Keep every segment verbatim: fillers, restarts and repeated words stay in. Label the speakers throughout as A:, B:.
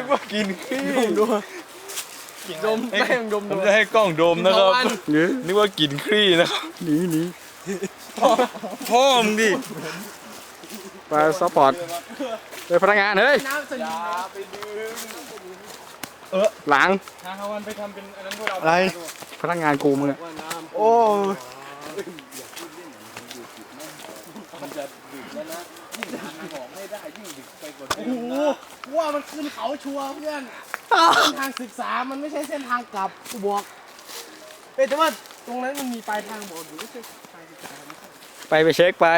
A: ว่ากินขี้ดูดมแป้งดมผมจะให้กล้องดมนะครับนึกว่ากินขี้นะครับหนีหนีพ่อมึงดิ
B: ไปซัพพอร์ตไปพนักงานเฮ้ยเออหลัง
A: ทางวันไปทำเป็นอันนั้นพวกเรา
B: อะไรพนักงานกูมึงอะ
A: โอ้มันจะดึกแล้วนะยิ่งทางของไม่ได้ยิ่งดึกไปกว่าเดิมนะโอ้โหว่ามันขึ้นเขาชัวร์เพื่อนเส้นทางศึกษามันไม่ใช่เส้นทางกลับกูบอกเอ้แต่ว่าตรงนั้นมันมีปลายทางบอกอยู่ไม่ใช่ปลายศึกษา
B: ไปไปเช็คไป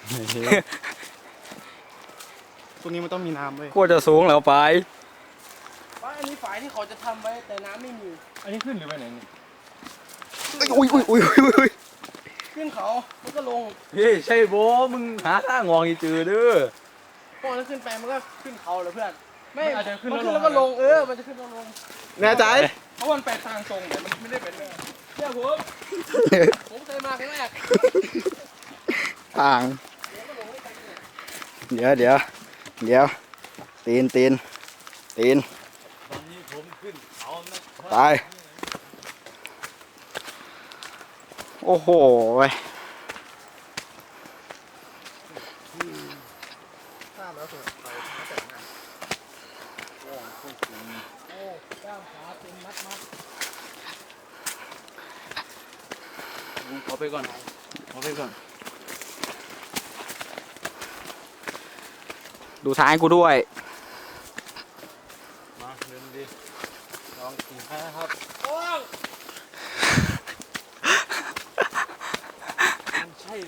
A: ตรงนี้มันต้องมีน้ำเลย
B: กูจะสูงแล้วไป
A: ว่าอันนี้ฝายที่เขาจะทำไว้แต่น้ำไม่มีอันนี้ขึ้นหรือไปไหนนี่
B: อุ้ยอุ้ยอุ้ยอุ้ย
A: ขึ้นเขาแล้วก็ลง
B: เฮ้ยใช่โบมึงหาทางงองอีจือเด้อ
A: พอแล้วขึ้นไปมันก็ขึ้นเขาเลยเพื่อนไม่อาจจะขึ้นแล้วก็ลงเออมันจะขึ้นแล้วลง
B: แน่ใจ
A: เพราะมันไปทางตรงแต่มันไม่ได้เป็นเลยเชื่อผมผมเคยมาครั้งแรก
B: ทางเดี๋ยวเดี๋ยวเดี๋ยวตีนตีนตีน
A: ตอนนี้ผมขึ้นเขา
B: ตายโอ้โหไป
A: ข้ามแล้วสุดไปแต่งงานโอ้โหโอ้ก้ามขาเป็นมัดมัดขอไปก่อนขอไปก่อน
B: ดูท้ายกูด้วย
A: มาเดินดีลองขี่ให้ครับโอ้ใช่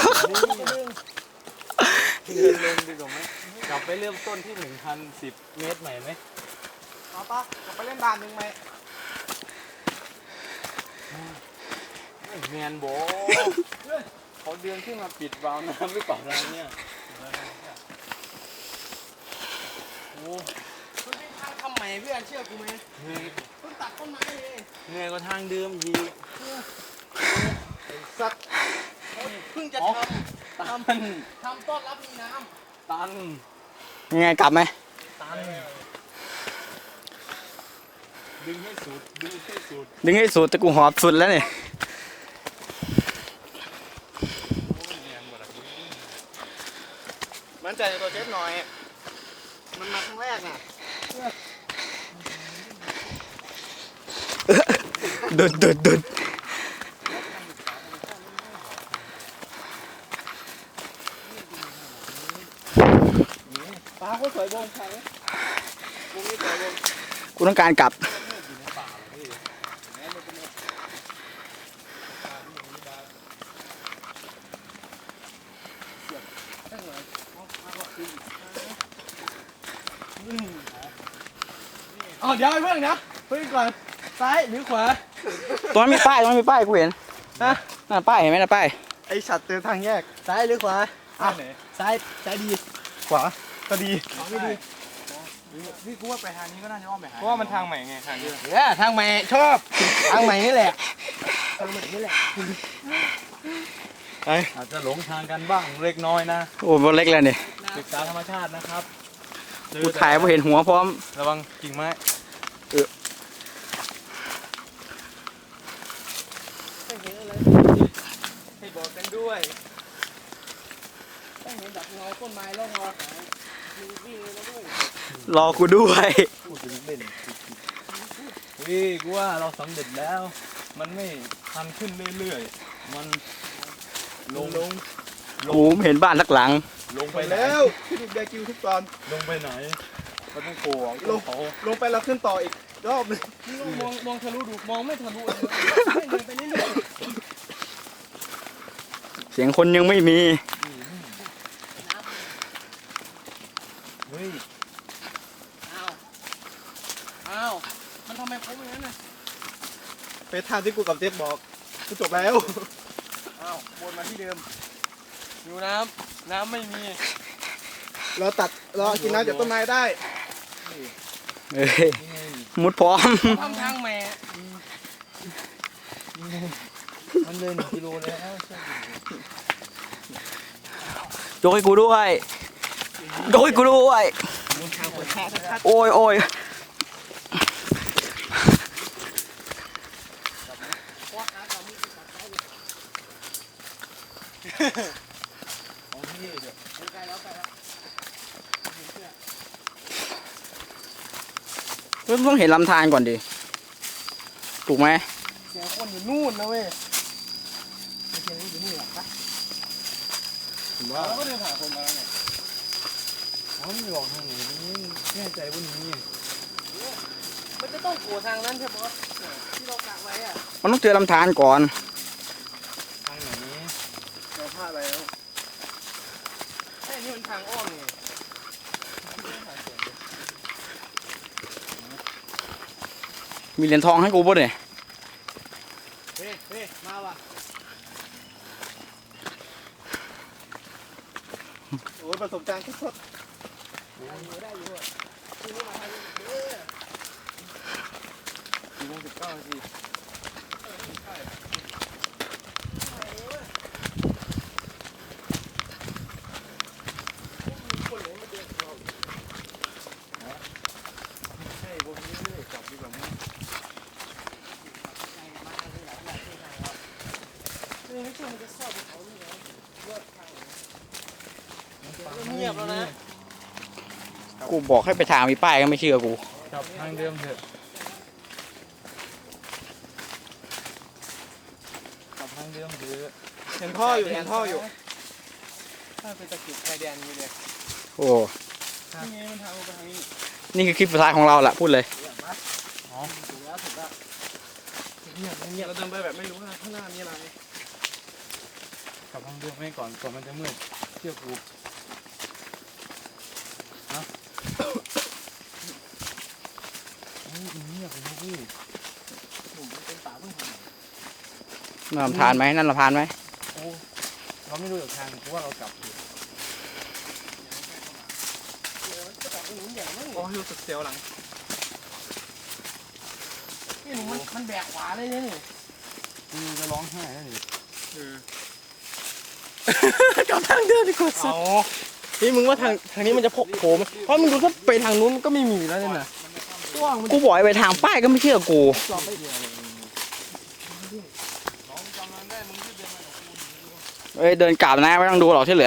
A: เดินลงดีกว่าไหมกลับไปเริ่มต้นที่หนึ่งพันสิบเมตรใหม่ไหมเอาปะกลับไปเล่นด่านหนึ่งไหมแมนโบเขาเดินขึ้นมาปิดวาล์วน้ำไม่เปล่าอะไรเนี่ยโอ้มันเป็นทางทำใหม่เพื่อนเชื่อกูไหมเพิ่งตัดต้นไม้เลยเหนื่อยกว่าทางเดิมยีสัตว์เพิ่งจะทำทำทำต้อนรับมีน้ำตัน
B: ยังไงกลับไหม
A: ตันดึงให้สุดดึงให้สุด
B: ดึงให้สุดแต่กูหอบสุดแล้วนี่
A: มันใจในตัวเจ็บหน่อยมันมาครั้งแรกน่ะ
B: ดุดดุดดุด
A: ปลาก็สวยบงใช่ไหมบงนี่สวยบง
B: กูต้องการกลับ
A: อ๋อเดี๋ยวไอ้เพื่อนนะเพื่อนก่อนซ้ายหรือขวา
B: ตรงนั้นมีป้ายตรงนั้นมีป้ายกูเห็นนะน่าป้ายเห็นไหมน่าป้าย
A: ไอฉัดเตือนทางแยกซ้ายหรือขวาอ่ะซ้ายซ้ายดีขวาก็ดีขวาไม่ดีพี่กูว่าไปทางนี้ก็น่าจะอ้อมไปหาเพราะว่ามันทางใหม่ไงทางนี้เออทางใหม่ชอบทางใหม่นี่แหละทางใหม่นี่แหละอาจจะหลงทางกันบ้างเล็กน้อยนะ
B: โอ้โหเล็กแล้วนี่
A: ศึกษาธรรมชาตินะครับ
B: กูถ่ายพอเห็นหัวพร้อม
A: ระวังกิ่งไม้
B: เออ
A: ไม่เห็นอะไรให้บอกกันด้วยต้องเห็นดับเงาต้นไม้แล้วงอหายมีวิ่งเลยนะด้วย
B: รอกูด้วย
A: พูดถึงเล่นวิ่งกูว่าเราสำเร็จแล้วมันไม่ทันขึ้นเรื่อยๆมันลงลง
B: กูเห็นบ้านสักหลัง
A: ลงไปแล้วที่ดูแดกิวทุกตอนลงไปไหนมันต้องโผล่ลงลงไปแล้วขึ้นต่ออีกรอบนึงมองมองทะลุดูมองไม่ทะลุเลยเดินไปเรื่อย
B: ๆเสียงคนยังไม่มี
A: เฮ้ยอ้าวอ้าวมันทำไมโค้งอย่างนั้นน่ะไปทางที่กูกับเจ๊บอกกูจบแล้วอ้าววนมาที่เดิมอยู่น้ำน้ำไม่มีเราตัดเรากินน้ำจากต้นไม้ได้
B: เอ้ยมุดพร้อม
A: ทำทางแม่มันเดินกิโลแล้ว
B: ยกให้กูด้วยยกให้กูด้วย
A: ปิดแค่ชัด
B: โอ้ยโอ้ย
A: ๆโอ้ยเดี๋ยวใกล้แล้วใกล้แล้ว
B: ต้องเห็นลำธารก่อนดิถูกไหม
A: เสียงคนอยู่นู่นนะเว้ยเสียงอยู่นี่หรอปะผมว่าเราก็เดินผ่านคนมาแล้วไงอ๋อไม่บอกทางไหนนี่แน่ใจว่านี้มันจะต้องโผล่ทางนั้นใช่ไหมที่เรากะไว้อะ
B: มันต้องเจอลำธารก่อน
A: ทางไหนเราพลาดแล้วไอ้นี่มันทางอ้อมไง
B: มีเหรียญทองให้กูป่ะเนี่ย
A: เฮ้ยเฮ้ยมาว่ะโอ้ยประสบการณ์สดๆได้อยู่ได้อยู่ทีนี้มาทางนี้เด้อสี่โมงสิบเก้านาทีใช่พวกนี้ไม่ได้จับดีกว่ามั้งไม่ใช่มันจะซ่อนเขานี่ไงเลือดทางเงียบแล้วนะ
B: กูบอกให้ไปทางมีป้ายก็ไม่เชื่อกู
A: จับทางเดิมเถอะจับทางเดิมเถอะเห็นท่ออยู่เห็นท่ออยู่ถ้าเป็นตะกิดชายแดนนี่เลย
B: โอ้
A: นี่ไงมันทางลงไปทางนี้
B: นี่คือคลิปสุดท้ายของเราละพูดเลย
A: อ๋อถูกแล้วถูกแล้วเงียบเงียบเราเดินไปแบบไม่รู้ว่าข้างหน้ามีอะไรกลับทางเดิมให้ก่อนก่อนมันจะมืดเชื่อกูนะโอ้ยเงียบเลยนะพี่ผมเป็นป่าเพิ่งผ่าน
B: นั่นลำธารไหมนั่นลำธารไหม
A: โอ้เราไม่รู้จากทางเพราะว่าเรากลับอยู่โอ้รู้สึกเสียวหลังนี่หนูมันมันแบกขวาเลยเนี่ยมึงจะร้องไห้แล้วนี่กลับทางเดิมดีกว่าสุดนี่มึงว่าทางทางนี้มันจะพกโผล่ไหมเพราะมึงดูถ้าไปทางนู้นมันก็ไม่มีแล้วเนี่ยนะกว้างมัน
B: กูบอกให้ไปทางป้ายก็ไม่เชื่อกู
A: จอดไม่เดียวเลย
B: เอ้ยเดินกลับนะไม่ต้องดูหรอกที่เหลือ